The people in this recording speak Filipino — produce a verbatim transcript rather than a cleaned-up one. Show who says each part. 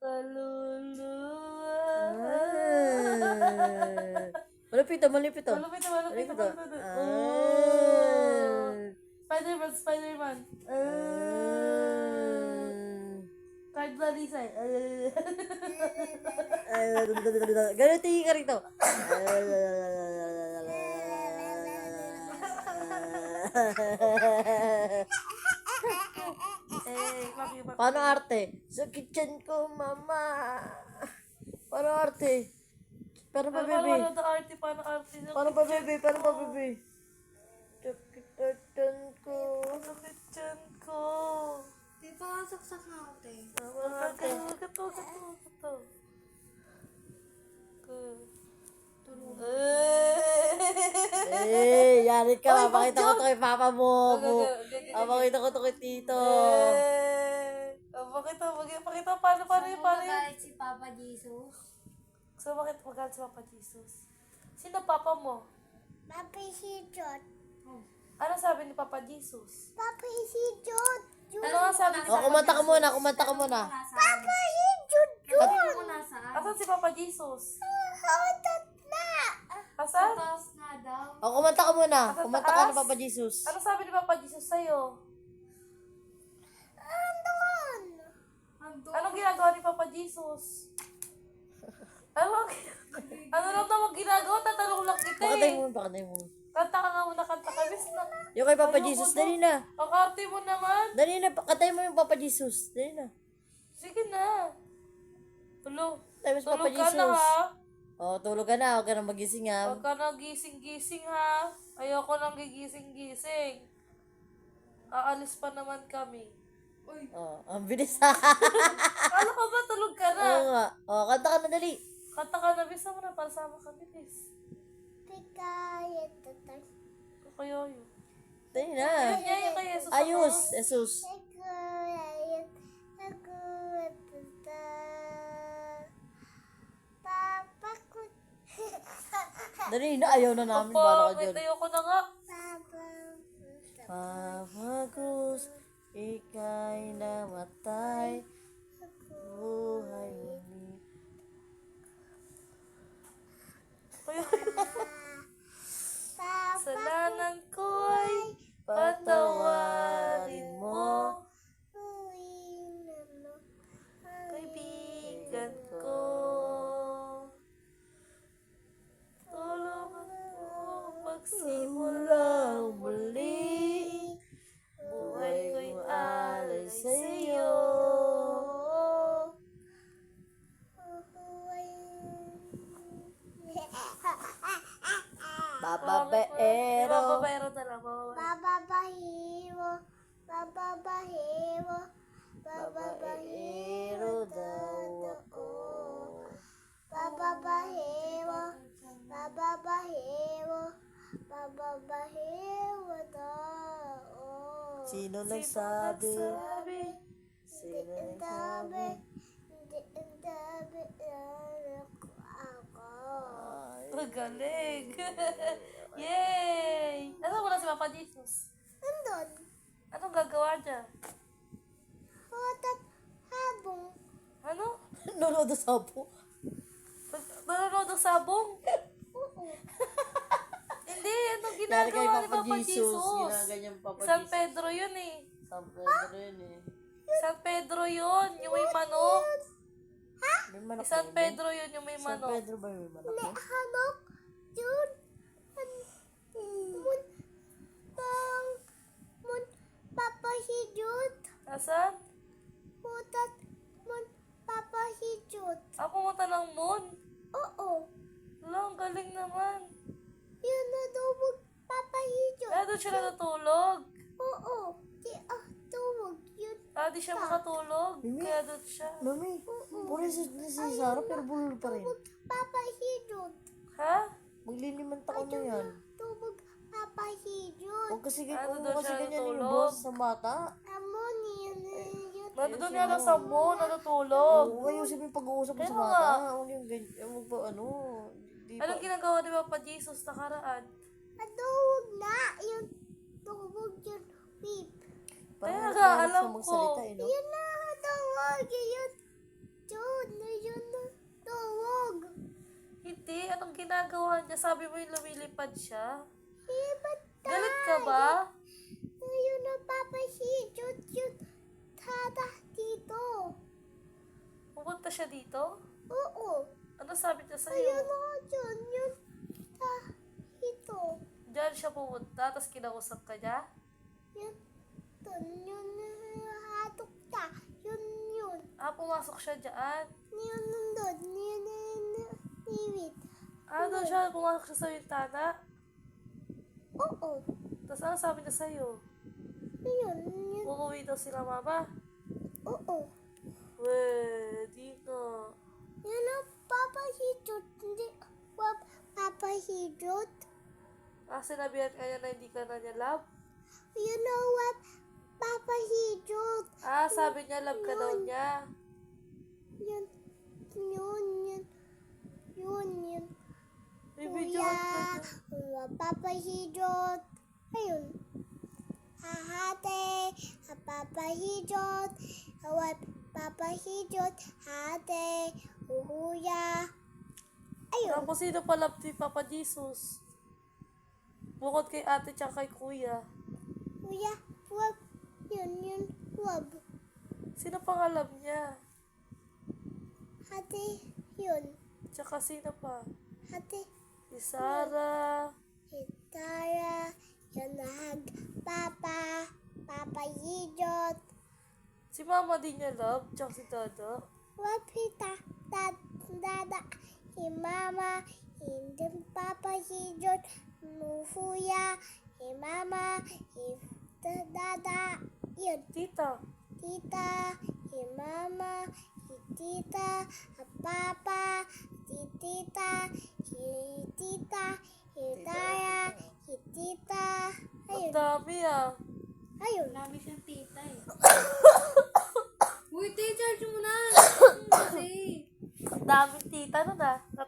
Speaker 1: Kaluluwa.
Speaker 2: Ah. Malapit to, malapit to.
Speaker 1: Malupit na, malupit na,
Speaker 2: Malapit to.
Speaker 1: malupit na.
Speaker 2: Ah.
Speaker 1: Oh. Spider-Man, Spider-Man.
Speaker 2: Ah.
Speaker 1: Card Lalisay.
Speaker 2: Ganun tingin ka rito.
Speaker 1: Eh, maki, maki.
Speaker 2: Paano arte? Sa kitchen ko, mama. Paano arte? Paano pa,
Speaker 1: Paano,
Speaker 2: bebe?
Speaker 1: paano, paano, arte, paano, arte.
Speaker 2: Paano pa, bebe? Paano pa, bebe? Sa kitchen ko.
Speaker 1: Sakit dyan ko.
Speaker 3: Di pa saksak na ako, te.
Speaker 1: Huwag ka, huwag ka to, huwag ka to, huwag ka to.
Speaker 3: Tulog.
Speaker 2: Eh, yari ka. Papakita ko to kay papa mo.
Speaker 1: Gag- gag- gag-
Speaker 2: Papakita ko to kay tito.
Speaker 1: Eh, oh, pakita, pakita, pakita, paano, paano yun, paano yun?
Speaker 3: Magalit si Papa Jesus.
Speaker 1: So, bakit magalit si Papa Jesus? Sino papa mo?
Speaker 4: Papa Hijot.
Speaker 1: Ano sabi ni Papa Jesus?
Speaker 4: Papa Hijot.
Speaker 1: Ano nga sabi ni
Speaker 2: O, kumanta ka muna, kumanta ka muna.
Speaker 4: Papa Hijot.
Speaker 3: Sabi mo nasaan?
Speaker 1: Asan si Papa Jesus?
Speaker 4: Hautat na.
Speaker 1: Asan?
Speaker 3: Taas na daw.
Speaker 2: O, kumanta ka muna.
Speaker 1: Sa
Speaker 2: Kumanta ka
Speaker 1: taas?
Speaker 2: na, Papa Jesus.
Speaker 1: Ano sabi ni Papa Jesus sa'yo?
Speaker 4: Andun.
Speaker 3: Ando.
Speaker 1: Anong ginagawa ni Papa Jesus? Ano, ano lang naman ginagawa? Tatanong lang kita
Speaker 2: Pakatay
Speaker 1: eh.
Speaker 2: mo, pakatay mo.
Speaker 1: Kanta ka nga muna, kanta ka. Miss na.
Speaker 2: Yung kay Papa
Speaker 1: Ayoko
Speaker 2: Jesus,
Speaker 1: na.
Speaker 2: dali na.
Speaker 1: Ang arte mo naman.
Speaker 2: Dali na, pakatay mo yung Papa Jesus. Dali na.
Speaker 1: Sige na. Tulo.
Speaker 2: Tayo sa Papa
Speaker 1: Tulog ka
Speaker 2: Jesus.
Speaker 1: na ha.
Speaker 2: O, tulog ka na. Huwag ka na magising ha.
Speaker 1: Huwag ka na gising-gising ha. Ayoko nang gigising-gising. Aalis pa naman kami.
Speaker 3: Uy.
Speaker 2: O, ang bilis ha.
Speaker 1: Kala ko ba tulog ka na?
Speaker 2: Oo nga. O, kanta ka na dali.
Speaker 1: Kanta ka na, bisa mo na para sama kami, bis.
Speaker 4: Pikayet tatay.
Speaker 1: Kaya yun.
Speaker 2: Dali na.
Speaker 1: Kanya yung kay Jesus.
Speaker 2: Ayos, Jesus.
Speaker 4: Pikayet. Ako tatay. Papa ko.
Speaker 2: Dali na, ayaw na namin. Bala ka
Speaker 1: Papa,
Speaker 2: dyan.
Speaker 1: ayoko na nga.
Speaker 4: Papa.
Speaker 2: Papa Cruz, ika'y namatay. Buhay muli.
Speaker 1: Kaya,
Speaker 4: Papa.
Speaker 1: salanan ko'y patawarin mo.
Speaker 4: Uwi na mo.
Speaker 1: Kaibigan ko. Tulungan mo pagsimulang muli. Buhay ko'y alay sa'yo.
Speaker 2: Bababaero.
Speaker 1: Babaero na lang. Babaero.
Speaker 4: Bababahiwo, bababahiwo, bababahiwo daw ako. Bababahiwo, bababahiwo, bababahiwo daw.
Speaker 2: Sino nagsabi?
Speaker 1: Sabi,
Speaker 2: Sino
Speaker 4: Ang
Speaker 2: nagsabi?
Speaker 4: dami, ang dami, ang ako.
Speaker 2: Ay,
Speaker 1: magaling. Yay! Nasaan mo na si Papa Jesus?
Speaker 4: Nandun,
Speaker 1: Anong gagawa niya?
Speaker 4: hotat habong.
Speaker 1: Ano?
Speaker 2: Nanonood sa po.
Speaker 1: Nanonood ng sabong?
Speaker 4: Oo.
Speaker 1: Hindi, anong
Speaker 2: Dahil kay
Speaker 1: ginagawa ni
Speaker 2: Papa
Speaker 1: Papa
Speaker 2: Jesus.
Speaker 1: Jesus?
Speaker 2: Ginaganyan Papa
Speaker 1: San
Speaker 2: Jesus.
Speaker 1: Pedro yun eh.
Speaker 2: San Pedro yun eh.
Speaker 1: San Pedro yun, yung may manok.
Speaker 2: May manok
Speaker 1: San
Speaker 2: na yun.
Speaker 1: Pedro yun, yung may
Speaker 2: San
Speaker 1: manok.
Speaker 2: Pedro ba yung may manok eh?
Speaker 4: Hanok, yun. An- Mun, pang, mun, papahidot.
Speaker 1: Asan?
Speaker 4: Hutat, mun, papahidot.
Speaker 1: Ako pumunta ng moon.
Speaker 4: Oo.
Speaker 1: Wala, ang galing naman.
Speaker 4: Yun na daw mag papahidot.
Speaker 1: Kaya doon siya natutulog.
Speaker 4: Oo. Di ah, tuwag yun.
Speaker 1: Ah, di siya makatulog.
Speaker 2: Mimi?
Speaker 1: Kaya doon siya.
Speaker 2: Mami, puro si, si Sarah pero bulol pa rin.
Speaker 4: Tuwag papahidot.
Speaker 1: Ha?
Speaker 2: Maglilimang taon na yan.
Speaker 4: Tuwag papahidot.
Speaker 2: Huwag kasi,
Speaker 1: Ano
Speaker 2: huwag
Speaker 1: daw
Speaker 2: kasi
Speaker 1: siya
Speaker 2: ganyan yung
Speaker 1: natulog?
Speaker 2: boss sa bata.
Speaker 4: Amon yun na yun.
Speaker 1: Nandun nga lang sa moon, natutulog.
Speaker 2: Oo, ayusin mo yung pag-uusap mo
Speaker 1: Kaya
Speaker 2: sa
Speaker 1: nga.
Speaker 2: bata. Huwag yung ganyan, huwag ba ano. Di ba?
Speaker 1: Anong ginagawa ni Papa Jesus nakaraan?
Speaker 4: Tuwag na. Yun. Tuwag yun. Beep.
Speaker 2: Parang
Speaker 1: Kaya
Speaker 2: hirap
Speaker 1: nga,
Speaker 2: na hirap
Speaker 1: alam
Speaker 2: siya magsalita
Speaker 1: ko.
Speaker 2: eh, no?
Speaker 4: Yun na. Tuwag yun. Yun.
Speaker 1: ginagawa niya? Sabi mo yung lumilipad siya.
Speaker 4: Eh, ba't
Speaker 1: Galit ka ba?
Speaker 4: Ayun na papahidot yung tada dito.
Speaker 1: Pupunta siya dito?
Speaker 4: Oo.
Speaker 1: Ano sabi niya
Speaker 4: Ayun
Speaker 1: sa'yo?
Speaker 4: na dyan yung ta ito.
Speaker 1: Diyan siya pumunta, tapos kinausap ka niya?
Speaker 4: Yun, dun, yun, hatok ta. Yun, yun.
Speaker 1: Ah, pumasok siya dyan.
Speaker 4: Yun, nandun. Yun, yun, niwit.
Speaker 1: Ah, doon siya, pumasok siya sa bintana.
Speaker 4: Oo.
Speaker 1: Tapos ano sabi niya sa'yo?
Speaker 4: Yun, yun.
Speaker 1: Uuwi daw sila mama.
Speaker 4: Oo.
Speaker 1: Weh, di na.
Speaker 4: Yun ang papahidot. Hindi, wap, papahidot.
Speaker 1: Ah, sinabihan ka niya na hindi ka na niya love?
Speaker 4: You know what? Papahidot.
Speaker 1: Ah, sabi niya love ka daw niya.
Speaker 4: Yun, yun, yun. Yun, yun.
Speaker 1: May video ka
Speaker 4: Kuya,
Speaker 1: niya.
Speaker 4: papahidot. Ayun. Hahate, papahidot. Awat, papahidot. Hate, uhuya. Ayun.
Speaker 1: Tapos sino pa love ni Papa Jesus? Bukod kay ate tsaka kay kuya.
Speaker 4: Kuya, wab. Yun, yun, wab.
Speaker 1: Sino pa nga love niya?
Speaker 4: Hate, yun.
Speaker 1: Tsaka sino pa?
Speaker 4: Hate,
Speaker 1: Si Sarah.
Speaker 4: Itara, yun nahag. Papa, papahidot.
Speaker 1: Si mama din niya love. Tsaka si Dada.
Speaker 4: Wapita, dad, dada, imama, hindi papahidot. Nuhuya, imama, dada, yun.
Speaker 1: Tita.
Speaker 4: Tita, imama, tita, papa, tita, tita, itaya, tita.
Speaker 1: Ang
Speaker 4: Ayun,
Speaker 1: dami ah.
Speaker 4: ayun.
Speaker 3: Marami siyang tita eh. Uy, te, charge mo na. Kasi.
Speaker 1: Ang daming tita nun ah.